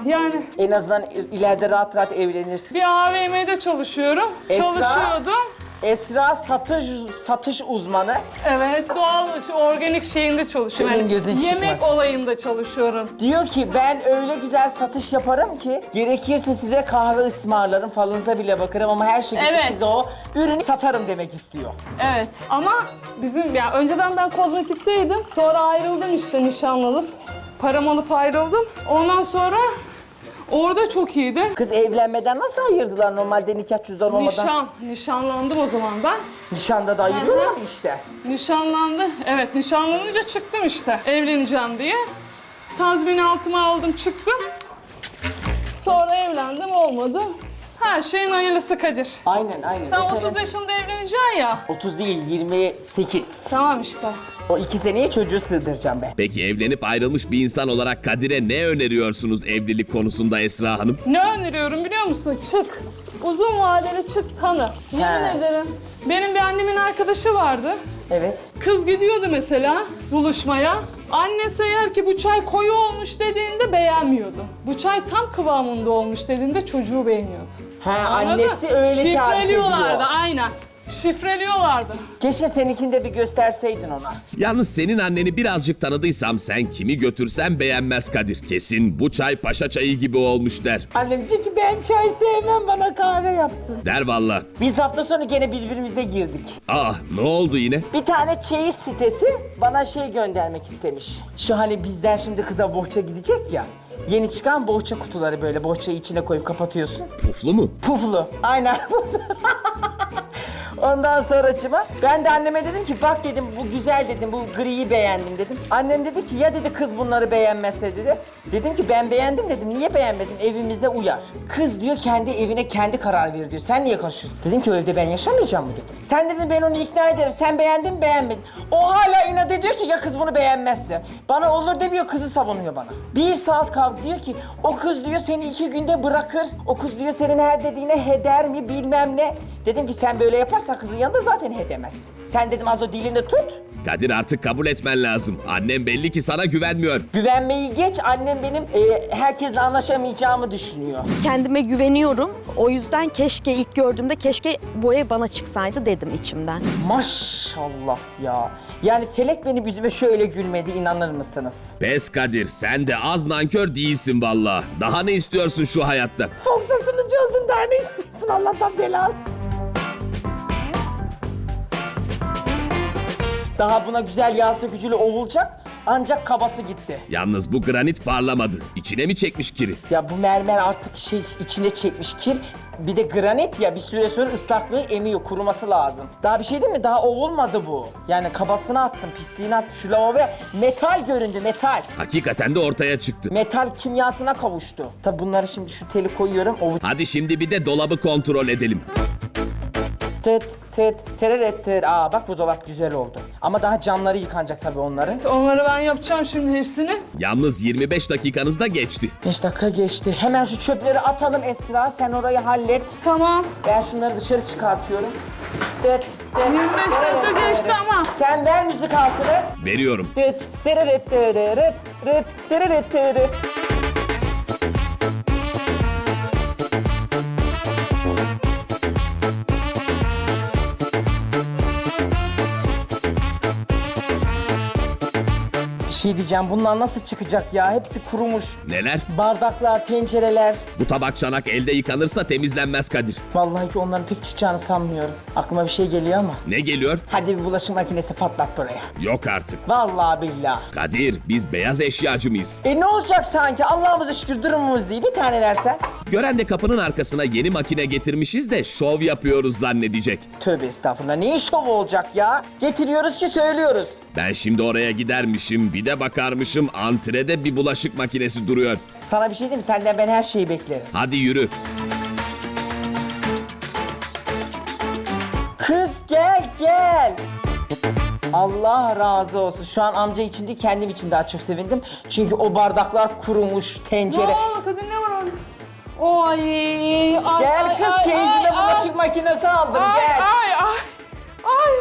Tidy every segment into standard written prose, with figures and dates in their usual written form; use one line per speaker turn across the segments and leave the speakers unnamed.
yani.
En azından ileride rahat rahat evlenirsin.
Bir AVM'de çalışıyorum. Çalışıyordum.
Esra satış uzmanı.
Evet, doğal, organik şeyinde çalışıyorum.
Senin gözün
yemek
çıkmaz.
olayında çalışıyorum.
Diyor ki ben öyle güzel satış yaparım ki gerekirse size kahve ısmarlarım, falınıza bile bakarım ama her şekilde
Evet.
size o ürünü satarım demek istiyor.
Evet ama bizim ya önceden ben kozmetikteydim. Sonra ayrıldım işte nişanlanıp. Param alıp ayrıldım. Ondan sonra orada çok iyiydi.
Kız evlenmeden nasıl ayırdılar normalde nikah cüzdan olmadan?
Nişanlandım o zaman ben.
Nişanda da ayırıyorlar işte.
Nişanlandı. Evet, nişanlanınca çıktım işte. Evleneceğim diye. Tazminaatımı aldım, çıktım. Sonra evlendim, olmadı. Her şeyin hayırlısı Kadir.
Aynen.
Sen
O
30
sene-
yaşında evleneceksin ya.
30 değil 28.
Tamam işte.
O 2 seneye çocuğu sığdıracağım ben.
Peki evlenip ayrılmış bir insan olarak Kadir'e ne öneriyorsunuz evlilik konusunda Esra Hanım?
Ne öneriyorum biliyor musun? Çık. Uzun vadeli çık, tanı. Yemin
He.
ederim. Benim bir annemin arkadaşı vardı.
Evet.
Kız gidiyordu mesela buluşmaya. Annesi eğer ki bu çay koyu olmuş dediğinde beğenmiyordu. Bu çay tam kıvamında olmuş dediğinde çocuğu beğeniyordu.
Ha
Anladın?
annesi öyle tarif
Şifreliyorlardı
ediyor.
aynen. Şifreliyorlardı.
Keşke seninkini de bir gösterseydin ona.
Yalnız senin anneni birazcık tanıdıysam sen kimi götürsen beğenmez Kadir. Kesin bu çay paşa çayı gibi olmuş der.
Annem diyecek ki ben çay sevmem bana kahve yapsın.
Der valla.
Biz hafta sonu gene birbirimize girdik.
Ne oldu yine?
Bir tane çeyiz sitesi bana şey göndermek istemiş. Şu hani bizden şimdi kıza bohça gidecek ya. Yeni çıkan bohça kutuları böyle bohçayı içine koyup kapatıyorsun.
Puflu mu?
Puflu. Aynen. Ondan sonracıma ben de anneme dedim ki bak dedim bu güzel dedim bu griyi beğendim dedim. Annem dedi ki ya dedi kız bunları beğenmezse dedi. Dedim ki ben beğendim dedim niye beğenmesin evimize uyar. Kız diyor kendi evine kendi karar verir diyor. Sen niye karışıyorsun? Dedim ki o evde ben yaşamayacağım mı dedim. Sen dedim ben onu ikna ederim. Sen beğendin mi beğenmedin. O hala inat ediyor ki ya kız bunu beğenmezse. Bana olur demiyor kızı savunuyor bana. 1 saat kavga diyor ki o kız diyor seni 2 günde bırakır. O kız diyor senin her dediğine heder mi bilmem ne. Dedim ki sen böyle yaparsan kızın yanında zaten hedemez. Sen dedim az o dilini tut.
Kadir artık kabul etmen lazım. Annem belli ki sana güvenmiyor.
Güvenmeyi geç annem benim herkesle anlaşamayacağımı düşünüyor.
Kendime güveniyorum. O yüzden keşke ilk gördüğümde keşke bu ev bana çıksaydı dedim içimden.
Maşallah ya. Yani felek benim yüzüme şöyle gülmedi inanır mısınız?
Pes Kadir sen de az nankör değilsin valla. Daha ne istiyorsun şu hayatta?
Fox'a sunucu oldun daha ne istiyorsun Allah'tan bela al. Daha buna güzel yağ sökücüyle ovulacak ancak kabası gitti.
Yalnız bu granit parlamadı. İçine mi çekmiş kiri?
Ya bu mermer artık içine çekmiş kir. Bir de granit ya bir süre sonra ıslaklığı emiyor, kuruması lazım. Daha bir şey değil mi? Daha ovulmadı bu. Yani kabasını attım, pisliğini attım. Şu lavaboya metal göründü, metal.
Hakikaten de ortaya çıktı.
Metal kimyasına kavuştu. Tabi bunları şimdi şu teli koyuyorum.
Hadi şimdi bir de dolabı kontrol edelim.
Tıt tıt tereret tır. Aa bak bu dolap güzel oldu. Ama daha camları yıkanacak tabii onların.
Onları ben yapacağım şimdi hepsini.
Yalnız 25 dakikanız da geçti.
5 dakika geçti. Hemen şu çöpleri atalım Esra. Sen orayı hallet.
Tamam.
Ben şunları dışarı çıkartıyorum.
25 dakika geçti ama.
Sen ver müzik altını.
Veriyorum.
Tıt tereret tırırıt rıt tereret tırıt. Bir şey diyeceğim, bunlar nasıl çıkacak ya? Hepsi kurumuş.
Neler?
Bardaklar, tencereler.
Bu tabak çanak elde yıkanırsa temizlenmez Kadir.
Vallahi ki onların pek çıkacağını sanmıyorum. Aklıma bir şey geliyor ama.
Ne geliyor?
Hadi bir bulaşık makinesi patlat buraya.
Yok artık.
Vallahi billahi.
Kadir biz beyaz eşyacı mıyız?
Ne olacak sanki? Allah'ımıza şükür durumumuz iyi. Bir tane versen.
Gören de kapının arkasına yeni makine getirmişiz de şov yapıyoruz zannedecek.
Tövbe estağfurullah. Neyin şovu olacak ya? Getiriyoruz ki söylüyoruz.
Ben şimdi oraya gidermişim, bir de bakarmışım antrede bir bulaşık makinesi duruyor.
Sana bir şey diyeyim mi? Senden ben her şeyi beklerim.
Hadi yürü.
Kız gel gel. Allah razı olsun. Şu an amca için değil kendim için daha çok sevindim. Çünkü o bardaklar kurumuş,
Ne
tencere.
oldu kadın, ne var orada? Oy, ay,
Gel
ay,
kız
ay,
çeyizine
ay,
bulaşık
ay.
makinesi aldım
Ay,
gel.
ay, ay, ay.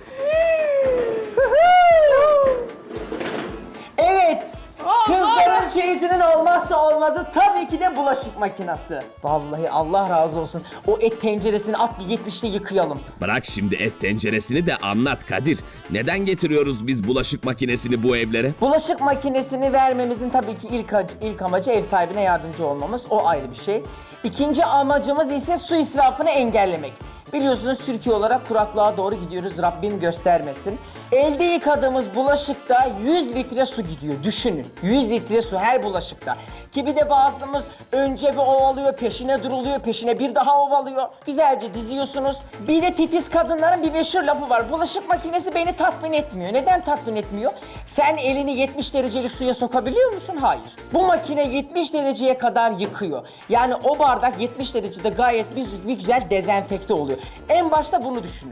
Evet.
Aa,
Kızların çeyizinin olmazsa olmazı tabii ki de bulaşık makinesi. Vallahi Allah razı olsun. O et tenceresini at bir 70'te yıkayalım.
Bırak şimdi et tenceresini de anlat Kadir. Neden getiriyoruz biz bulaşık makinesini bu evlere?
Bulaşık makinesini vermemizin tabii ki ilk amacı ev sahibine yardımcı olmamız. O ayrı bir şey. İkinci amacımız ise su israfını engellemek. Biliyorsunuz Türkiye olarak kuraklığa doğru gidiyoruz. Rabbim göstermesin. Elde yıkadığımız bulaşıkta 100 litre su gidiyor. Düşünün. 100 litre su her bulaşıkta. Ki bir de bazımız önce bir ovalıyor, peşine duruluyor, peşine bir daha ovalıyor. Güzelce diziyorsunuz. Bir de titiz kadınların bir meşhur lafı var. Bulaşık makinesi beni tatmin etmiyor. Neden tatmin etmiyor? Sen elini 70 derecelik suya sokabiliyor musun? Hayır. Bu makine 70 dereceye kadar yıkıyor. Yani o bardak 70 derecede gayet bir güzel dezenfekte oluyor. En başta bunu düşünün.